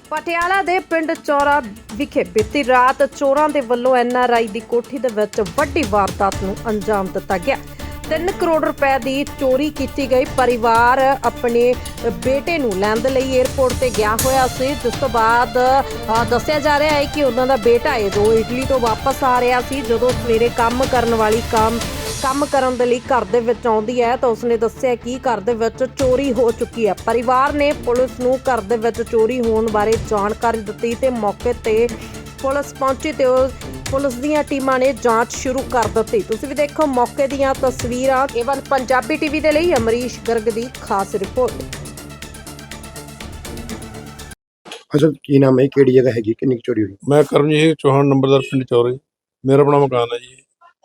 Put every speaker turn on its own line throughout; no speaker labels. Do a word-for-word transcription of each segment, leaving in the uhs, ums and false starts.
ਪਟਿਆਲਾ ਦੇ ਪਿੰਡ ਚੌਰਾ ਵਿਖੇ ਬੀਤੀ ਰਾਤ ਚੋਰਾਂ ਦੇ ਵੱਲੋਂ ਐਨ ਆਰ ਆਈ ਦੀ ਕੋਠੀ ਦੇ ਵਿੱਚ ਵੱਡੀ ਵਾਰਦਾਤ ਨੂੰ ਅੰਜਾਮ ਦਿੱਤਾ ਗਿਆ। ਤਿੰਨ ਕਰੋੜ ਰੁਪਏ ਦੀ ਚੋਰੀ ਕੀਤੀ ਗਈ। ਪਰਿਵਾਰ ਆਪਣੇ ਬੇਟੇ ਨੂੰ ਲੈਣ ਦੇ ਲਈ 에ਅਰਪੋਰਟ ਤੇ ਗਿਆ ਹੋਇਆ ਸੀ, ਜਿਸ ਤੋਂ ਬਾਅਦ ਦੱਸਿਆ ਜਾ ਰਿਹਾ ਹੈ ਕਿ ਉਹਨਾਂ ਦਾ ਬੇਟਾ ਹੈ ਜੋ ਇਟਲੀ ਤੋਂ ਵਾਪਸ ਆ ਰਿਹਾ ਸੀ। ਜਦੋਂ ਸਵੇਰੇ ਕੰਮ ਕਰਨ ਵਾਲੀ ਕੰਮ ਕੰਮ ਕਰਨ ਦੇ ਲਈ ਘਰ ਦੇ ਵਿੱਚ ਆਉਂਦੀ ਹੈ ਤਾਂ ਉਸਨੇ ਦੱਸਿਆ ਕਿ ਘਰ ਦੇ ਵਿੱਚ ਚੋਰੀ ਹੋ ਚੁੱਕੀ ਹੈ। ਪਰਿਵਾਰ ਨੇ ਪੁਲਿਸ ਨੂੰ ਘਰ ਦੇ ਵਿੱਚ ਚੋਰੀ ਹੋਣ ਬਾਰੇ ਜਾਣਕਾਰੀ ਦਿੱਤੀ ਤੇ ਮੌਕੇ ਤੇ ਪੁਲਿਸ ਪਹੁੰਚੀ ਤੇ ਪੁਲਿਸ ਦੀਆਂ ਟੀਮਾਂ ਨੇ ਜਾਂਚ ਸ਼ੁਰੂ ਕਰ ਦਿੱਤੀ। ਤੁਸੀਂ ਵੀ ਦੇਖੋ ਮੌਕੇ ਦੀਆਂ ਤਸਵੀਰਾਂ। ਕੇਵਲ ਪੰਜਾਬੀ ਟੀਵੀ ਦੇ ਲਈ ਅਮਰੀਸ਼ ਗਰਗ ਦੀ ਖਾਸ ਰਿਪੋਰਟ।
ਅਸਲ ਕੀ ਨਾਮ ਹੈ, ਕਿਹੜੀ ਜਗ੍ਹਾ ਹੈਗੀ, ਕਿੰਨੀ ਚੋਰੀ ਹੋਈ?
मैं करमजीत चौहान नंबरदार पिंड चौरे, मेरा अपना मकान है जी।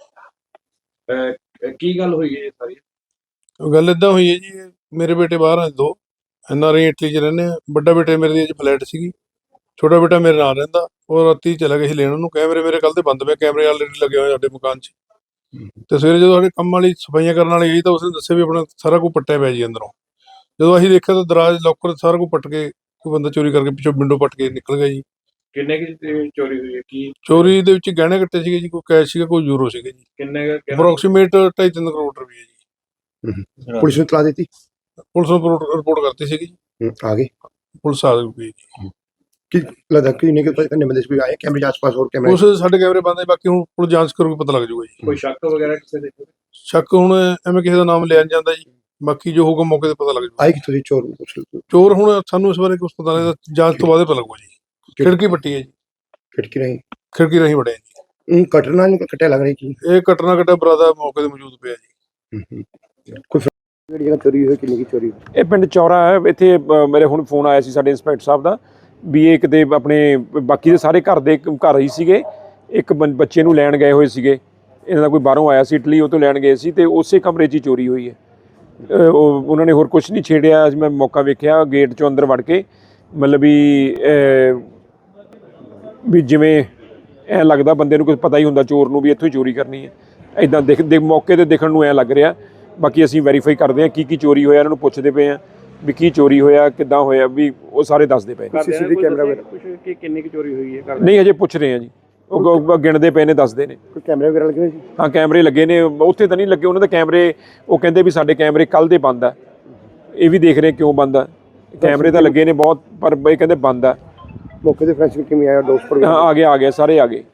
ਕੀ ਗੱਲ ਹੋਈ ਹੈ ਸਾਰੀ?
गल इदा हुई है जी, मेरे बेटे बाहर हैं दो, एन आर आई इटली च रहने। बड़ा बेटे मेरे दी फ्लैट सी, छोटा बेटा मेरे नाल रहिंदा। और राती चला गया लेन उन्होंने। कैमरे मेरे कल दे बंद पे, कैमरे ऑलरेडी लगे हुए साडे मकान च। ते सवेरे जो साडे काम वाली सफाइयां करन वाली आई तां उसने दस्सिया भी अपना सारा कुछ पट्टिया पिया जी अंदरों। जदों असीं देखिया तां दराज लॉकर सारा कुछ पट के कोई बंदा चोरी करके पिछों विंडो पट के निकल गया जी।
ਕਿੰਨੇ ਕੀ ਚੋਰੀ ਹੋਈ ਹੈ? ਕੀ
चोरी दे विच गहने कट्टे सीगे जी, कोई कैश सीगा, कोई यूरो सीगे जी।
ਕਿੰਨੇ ਕੁ-
अप्रोक्सीमेट ढाई तीन करोड़ रुपये जी।
ਪੁਲਿਸ ਨੂੰ ਤਲਾ ਦਿੱਤੀ?
पुलिस नूं रिपोर्ट रिपोर्ट करती सीगी जी।
ਹੂੰ, ਆ ਗਏ?
पुलिस आ गई जी।
ਕੀ ਲੱਗਦਾ ਕਿ ਨਹੀਂ ਕਿ ਕਿੰਨੇ ਬੰਦੇ ਕੋਈ ਆਏ ਕੈਮਰੇ ਦੇ ਆਸ-ਪਾਸ? ਹੋਰ ਕੈਮਰੇ
ਉਸ ਸਾਡੇ ਕੈਮਰੇ ਬੰਦ ਹੈ, ਬਾਕੀ ਹੁਣ ਪੁਲਿਸ ਜਾਂਚ ਕਰੂਗੀ, ਪਤਾ ਲੱਗ ਜਾਊਗਾ ਜੀ।
ਕੋਈ ਸ਼ੱਕ ਵਗੈਰਾ ਕਿਸੇ ਦੇ?
ਸ਼ੱਕ ਹੁਣ ਐਵੇਂ ਕਿਸੇ ਦਾ ਨਾਮ ਲਿਆ ਨਹੀਂ ਜਾਂਦਾ ਜੀ, ਬਾਕੀ ਜੋ ਹੋਊਗਾ ਮੌਕੇ ਤੇ ਪਤਾ ਲੱਗ ਜਾਊਗਾ।
ਆਏ ਕਿੱਥੋਂ ਦੀ ਚੋਰ?
ਚੋਰ ਹੁਣ ਸਾਨੂੰ ਇਸ ਬਾਰੇ ਕੁਝ ਪਤਾ ਨਹੀਂ, ਜਾਂਚ ਤੋਂ ਬਾਅਦ ਹੀ ਪਤਾ ਲੱਗੂਗਾ ਜੀ। ਖਿੜਕੀ ਪੱਟੀ ਹੈ ਜੀ,
ਖਿੜਕੀ ਨਹੀਂ
ਖਿੜਕੀ ਰਹੀ ਵੜਿਆ ਜੀ।
ਹੂੰ, ਕਟਣਾ ਨਹੀਂ ਕੱਟਿਆ ਲੱਗ ਰਹੀ ਕੀ?
ਇਹ ਕਟਣਾ ਕੱਟਿਆ ਬਰਾਦਾ ਮੌਕੇ ਤੇ ਮੌਜੂਦ ਪਿਆ ਜੀ।
ਹੂੰ ਹੂੰ। ਕੋਈ ਕਿਹੜੀ ਜਗ੍ਹਾ ਚੋਰੀ ਹੋਈ, ਕਿੰਨੀ ਕੀ ਚੋਰੀ ਹੋਈ?
ਇਹ ਪਿੰਡ ਚੌਰਾ ਹੈ। ਇੱਥੇ ਅ, ਮੇਰੇ ਹੁਣ ਫੋਨ ਆਇਆ ਸੀ ਸਾਡੇ ਇੰਸਪੈਕਟਰ ਸਾਹਿਬ ਦਾ ਵੀ ਇਹ ਕਿਤੇ ਆਪਣੇ ਬਾਕੀ ਦੇ ਸਾਰੇ ਘਰ ਦੇ ਘਰ ਹੀ ਸੀਗੇ, ਇੱਕ ਬੰ- ਬੱਚੇ ਨੂੰ ਲੈਣ ਗਏ ਹੋਏ ਸੀਗੇ। ਇਹਨਾਂ ਦਾ ਕੋਈ ਬਾਹਰੋਂ ਆਇਆ ਸੀ ਇਟਲੀ, ਉਹ ਤੋਂ ਲੈਣ ਗਏ ਸੀ ਤੇ ਉਸੇ ਕਮਰੇ 'ਚ ਹੀ ਚੋਰੀ ਹੋਈ ਹੈ। ਅ, ਉਹ ਉਹਨਾਂ ਨੇ ਹੋਰ ਕੁਝ ਨਹੀਂ ਛੇੜਿਆ। ਅੱਜ ਮੈਂ ਮੌਕਾ ਵੇਖਿਆ ਗੇਟ 'ਚੋਂ ਅੰਦਰ ਵੜ ਕੇ, ਮਤਲਬ ਵੀ ਅ, ਵੀ ਜਿਵੇਂ ਐਂ ਲੱਗਦਾ ਬੰਦੇ ਨੂੰ ਕੁਝ ਪਤਾ ਹੀ ਹੁੰਦਾ ਚੋਰ ਨੂੰ ਵੀ ਇੱਥੋਂ ਹੀ ਚੋਰੀ ਕਰਨੀ ਹੈ। ਇੱਦਾਂ ਦਿਖ ਦੇ ਮੌਕੇ 'ਤੇ ਦਿਖਣ ਨੂੰ ਐਂ ਲੱਗ ਰਿਹਾ। ਬਾਕੀ ਅਸੀਂ ਵੈਰੀਫਾਈ ਕਰਦੇ ਹਾਂ ਕੀ ਕੀ ਚੋਰੀ ਹੋਇਆ, ਇਹਨਾਂ ਨੂੰ ਪੁੱਛਦੇ ਪਏ ਹਾਂ ਵੀ ਕੀ ਚੋਰੀ ਹੋਇਆ, ਕਿੱਦਾਂ ਹੋਇਆ, ਵੀ ਉਹ ਸਾਰੇ ਦੱਸਦੇ ਪਏ ਨੇ।
ਸੀਸੀਟੀਵੀ ਕੈਮਰਾ ਵਗੈਰਾ
ਕੁਝ ਕਿ ਕਿੰਨੀ ਕੁ ਚੋਰੀ ਹੋਈ ਹੈ?
ਨਹੀਂ ਹਜੇ ਪੁੱਛ ਰਹੇ ਹਾਂ ਜੀ, ਉਹ ਗ- ਗਿਣਦੇ ਪਏ ਨੇ, ਦੱਸਦੇ ਨੇ।
ਕੋਈ ਕੈਮਰੇ ਵਗੈਰਾ ਲੱਗੇ ਹੋਏ ਸੀ?
ਹਾਂ ਕੈਮਰੇ ਲੱਗੇ ਨੇ, ਉੱਥੇ ਤਾਂ ਨਹੀਂ ਲੱਗੇ ਉਹਨਾਂ ਦੇ ਕੈਮਰੇ। ਉਹ ਕਹਿੰਦੇ ਵੀ ਸਾਡੇ ਕੈਮਰੇ ਕੱਲ੍ਹ ਦੇ ਬੰਦ ਆ। ਇਹ ਵੀ ਦੇਖ ਰਹੇ ਕਿਉਂ ਬੰਦ ਆ। ਕੈਮਰੇ ਤਾਂ ਲੱਗੇ ਨੇ ਬਹੁਤ, ਪਰ ਇਹ ਕਹਿੰਦੇ ਬੰਦ ਆ।
ਮੌਕੇ ਤੇ ਫਰੈਂਚ ਕਿਵੇਂ ਆਇਆ? ਡੋਸਪਰ
ਹਾਂ ਆ ਗਏ ਆ ਗਏ ਸਾਰੇ ਆ ਗਏ।